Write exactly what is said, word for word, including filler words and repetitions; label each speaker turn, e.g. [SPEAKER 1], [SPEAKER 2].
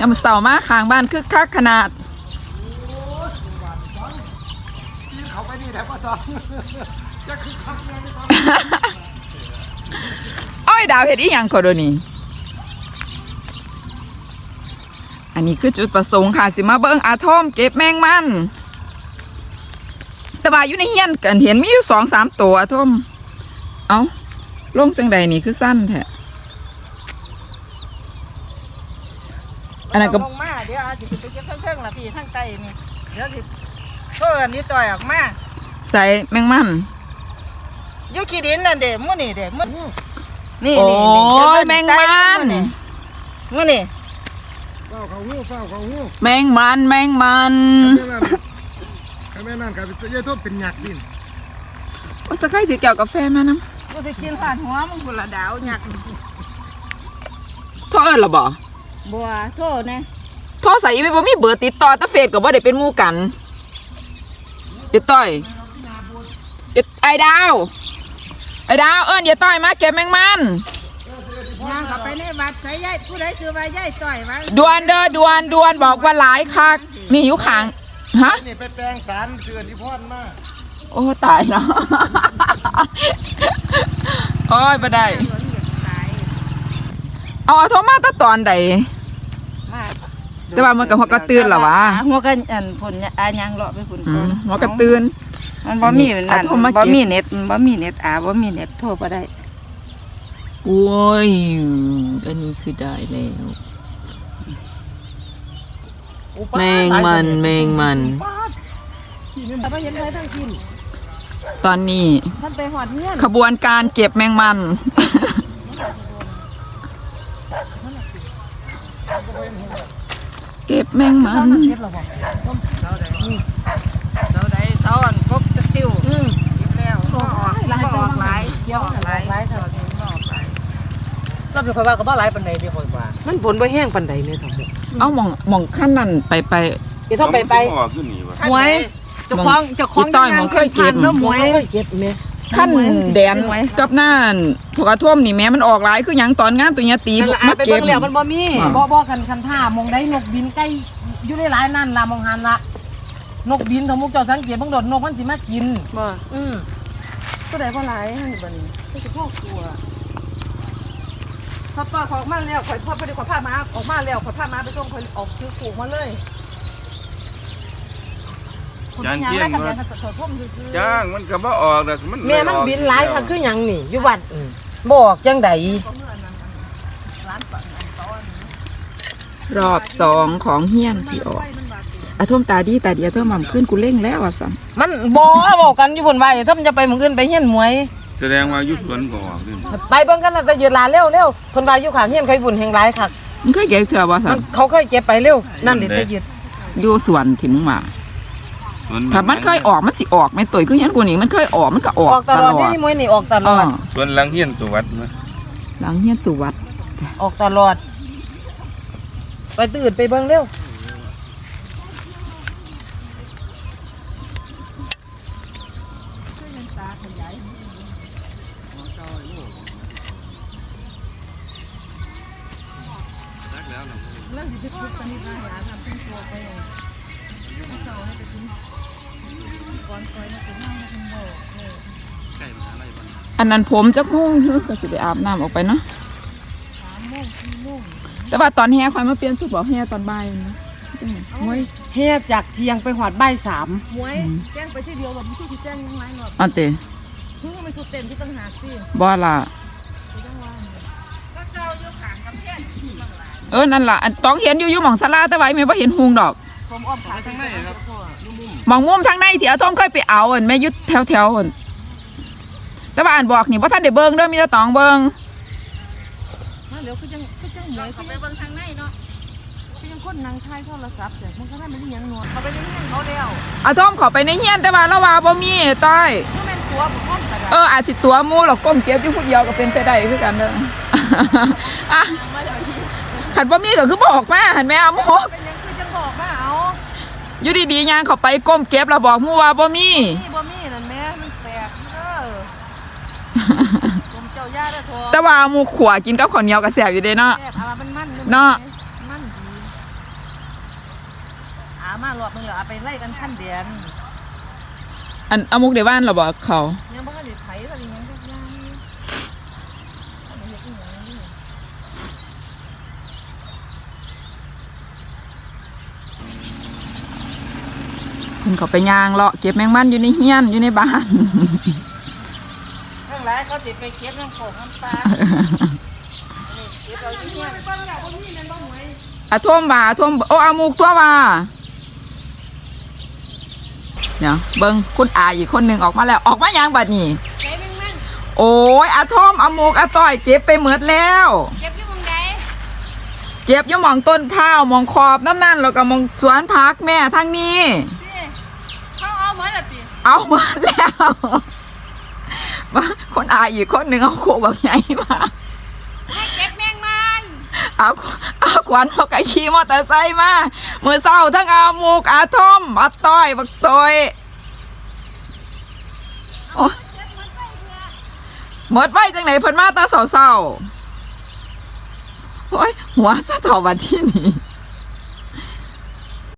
[SPEAKER 1] ยามเสามาข้างบ้านคึกคักขนาด
[SPEAKER 2] เขาไปนี่แหละพ่อตองจะคึกคักแน่ไม่ต้อง
[SPEAKER 1] อ้อยดาวเห็ดอีหยังก็โดนี่อันนี้คือจุดประสงค์ค่ะสิมาเบิ้งอาทอมเก็บแมงมันแต่ว่าอยู่ในเฮียนกันเห็นมีอยู่สองสามตัวอาทอมเอาลงจังใดนี่คือสั้นแท้อันนั้นก็
[SPEAKER 3] ลงมาเดี๋ยวอาจจะไปเก็บเครื่องๆละพี่ทั้งไตนี่เดี๋ยวสิเพิ่นนี่ต่อยออกมา
[SPEAKER 1] ใส่แมงมัน
[SPEAKER 3] อยู่ขี้ดินนั่นเด้มื้อนี่เด้มื้อนี่
[SPEAKER 1] โอ้
[SPEAKER 3] นี่
[SPEAKER 1] ยแมงมัน
[SPEAKER 3] มื้อนี่
[SPEAKER 2] เฝ้าเขาหู้เฝ้าเขาหู้
[SPEAKER 1] แมงมันแมงมัน
[SPEAKER 2] ใครแม่นั่นกับเยอะทบเป็นหยักดิน
[SPEAKER 1] ว่าสักใครถือแก้วกาแฟมาน้
[SPEAKER 3] ำกูสิกินผ่านหัวมึงคนละดาวหยัก
[SPEAKER 1] โทษเอิ้นล่ะบ่
[SPEAKER 3] บัวโทษนะ
[SPEAKER 1] โทษใส่อีไม่บ่มีเบอร์ติดต่อตะเฟซก็บ่ได้เป็นหมู่กันอย่าต่อยไอ้ดาวไอ้ดาวเอิ้นอย่าต่อยมาเก็บแมงมัน
[SPEAKER 3] ย่างเข้าไปในวัดใส่ยายผู้ใดซื้อไว้ยายต่อยไว้
[SPEAKER 1] ดวนเด้อดวนดวนบอกว่าหลายคักนี่อยู่ข้างฮะ
[SPEAKER 2] นี่ไปแปลงสารเสื่อที่พ่อนมา
[SPEAKER 1] โอ้ตายแล้วโอ้ยบ่ได้เอาโทรมาตั้งตอนใดแต่ว่ามันกับหัวกระตื้นหรอวะ
[SPEAKER 3] หัวกระอันผลอายังเลาะไปผล
[SPEAKER 1] หัวกระตื้น
[SPEAKER 3] มันบ่มีนั่นบ่มีเน็ตบ่มีเน็ตอาบ่มีเน็ตโทรบ่ได้
[SPEAKER 1] โอ้ยอันนี้คือได้แล้วแมงมันแมงมันตอนนี้ขบวนการเก็บแมงมันเก็บแมงมัน
[SPEAKER 3] เสาใดเสาอันกบตะติ้วเก็บแล้วออกแล้วก็ออกหลายออกหลายหลายเท่านี้ออกหลาย
[SPEAKER 4] เราเป็นคนว่าก็บ่หลายปานใดมีคนว่ามันฝนบ่แห้งปานใดแม่สมมุติ
[SPEAKER 1] เอาหม่องหม่องขั้นนั้นไปไป
[SPEAKER 4] เดี๋ยวต้องไปไป
[SPEAKER 3] หวยเจ้าของเจ้าของ
[SPEAKER 1] ต้อยหม่องเคยเก็บ
[SPEAKER 3] หวย
[SPEAKER 4] เก็บแม่
[SPEAKER 1] ขั้นแดนกับน่านพวกกระท่อมนี่แม่มันออกหลายคือหยังตอนงานตัวเนี้ยตี
[SPEAKER 4] มาเก็บแล้วมันบ่มีบ่บ่กันคันท่ามองได้นกบินใกล้อยู่ในหลายนั่นล่ะมองหันละนกบินของมุกเจ้าสังเกตบางโดดนกมันสิมากิน
[SPEAKER 3] บ่
[SPEAKER 4] อือ
[SPEAKER 3] ผู้ใดบ่หลายหั่นบัดนี้ก็สิพ่อกลัวพอป้าออกมาแล้วข่อยพ่อไปได้ขอผ้ามาออกมาแล้วขอผ้ามาไปส่งข่อยออกคิวผูกมาเลย
[SPEAKER 2] จานเที่ยงว่าจ้างมันก็บ่ออกแต่มัน
[SPEAKER 4] แม่มันบินหลายค่ะคือหยังนี่อยู่วัดบอกจังได
[SPEAKER 1] รอบสองของเฮียนที่ออกอาท่วมตาดีตาเดียวเท่ามั่มขึ้นกูเร่งแล้วอ่ะสัม
[SPEAKER 4] มันบ่บอกกันอยู่บนไว้ถ้ามันจะไปมึงขึ้นไปเฮียนมวย
[SPEAKER 2] แสดงว่ายุคสวนก็ออก
[SPEAKER 4] ไปเบิ่งกันแล้วจะยืนลาเร็วเร็วคนว่าอยู่ข้างเฮียนใครบุญแห่งหลายคัก
[SPEAKER 1] มันเคยเก็บเถื่อบ่สัม
[SPEAKER 4] เขาเคยเก็บไปเร็วนั่นดิจะยืด
[SPEAKER 1] อยู่สวนถิ่นมาถ้ามันเคยออกมันสิออกไม่ตัวคือยันกูนี่มันเคยออกมันก็ออก
[SPEAKER 4] ตลอดนี่มวยนี่ออกตลอด
[SPEAKER 2] ส่วนหลังเฮียนตัววัด
[SPEAKER 1] หลังเฮียนตัววัด
[SPEAKER 4] ออกตลอดไปตื่นไปเบิ่งเร็ว
[SPEAKER 1] อันนั้นผมจะมุ่งคือก็สิได้อาบน้ำออกไปเนาะแต่ว่าตอนแห่คอยมาเปลี่ยนสุดบอกแห่ตอนบ่ายนะ
[SPEAKER 4] มวยแห่จากเที่ยงไปหอดบ่ายสาม
[SPEAKER 3] มวยแจ้งไปที่เดียวแบบที่ที่แจ้งยังไงหรอก
[SPEAKER 1] อันเตะ
[SPEAKER 3] คือไม่สุดเต็มที่ตั้งหากสิ
[SPEAKER 1] บ่ล่ะเออนั่นล่ะอันต้องเห็นอยู่อยู่หม่องศาลาแต่ไว้ไม่ว่าเห็นหุงดอก
[SPEAKER 3] ผมอ้อมขาทางในครับ
[SPEAKER 1] หม่องมุมทางในที่อาทอมเคยไปเอาอันแม่ยุดแถวแถวอันแต่ว่าอ่านบอกนี่ว่าท่านได้เบิ้งเด้อมีแต่ตองเบิ้ง
[SPEAKER 3] มาเดี๋ยวคือจังคือจังเหมยเขาไปเบิ้งทางในเนาะคือยังคนนั่งถ่ายโทรศัพท์แต่มันก็ได้ไม่ได้ยังนวดเขาไปในเฮียนเขาเดียว
[SPEAKER 1] อาทอมขอไปในเฮียนแต่ว่าละว่าบ่มีต้อยเอออาจสิตัวมูหรอกก้มเก็บอยู่ผู้เดียวก็เป็นไปได้คือกันเด้ออ่ะขันบ่มีก็คือบอกมาหันแม่เอาหมู
[SPEAKER 3] เป็นยังคือจังบอกมาเอา
[SPEAKER 1] อยู่ดีๆย่างเขาไปก้มเก็บแล้วบอกมูว่าบ่มี
[SPEAKER 3] บ่มีนั่นแม่มันแปลกเด้อผมเจ้าย่าเด้อทอ
[SPEAKER 1] แต่ว่าหมูขวกินกับข้าวเหนียวก็แซ่บอยู่เด้เนาะ
[SPEAKER 3] แซ่บอ่ะมันมัน
[SPEAKER 1] เนาะ
[SPEAKER 3] มันดีามารอบนึงแล้วเอาไปไล่กันขั้นเดือน
[SPEAKER 1] อันเอามุกเดว่านเหราบอกเขา
[SPEAKER 3] ยังบ่ทันได้ไถอะไรยังทุกอย่าง
[SPEAKER 1] คุณเขาไปย่างเลาะเก็บแมงมันอยู่ในเฮียนอยู่ในบ้าน
[SPEAKER 3] ข้างหลายเขาสิไปเก็บน้ำโขงน้ำปลานี่เก็บเอาที่เฮียน
[SPEAKER 1] อะท่วมบ่าท่วมโอ้อามุกตัวบ่าเนี่ยเบิ้งคุณอาอีกคนหนึ่งออกมาแล้วออกมายังบัดนี้
[SPEAKER 3] ใช้แมงมัน
[SPEAKER 1] โอ้ยอาท่อมอามุกอาต้อยเก็บไปหมดแล้ว
[SPEAKER 3] เก็บอยู่หม้องใด
[SPEAKER 1] เก็บอยู่หมองต้นพร้าวหมองขอบน้ำนั่นแล้วก็หมองสวนพักแม่ทั้งนี้
[SPEAKER 3] ติเขาเอาหมดละติ
[SPEAKER 1] เอามาแล้วมาคนอาอีกคนหนึ่งเอาโคบักใหญ่มา
[SPEAKER 3] ให้เก็บแมงมัน
[SPEAKER 1] เอาเอาขวัญเขาก็ขี่มอเตอร์ไซค์มามือเศร้าทั้งอามุกอาท่อมอาต้อยบักตอยโอ้หมดไว้จังไหนเพิ่นมาตาเศร้าๆโอ้ยหัวสะเทาวันที่นี่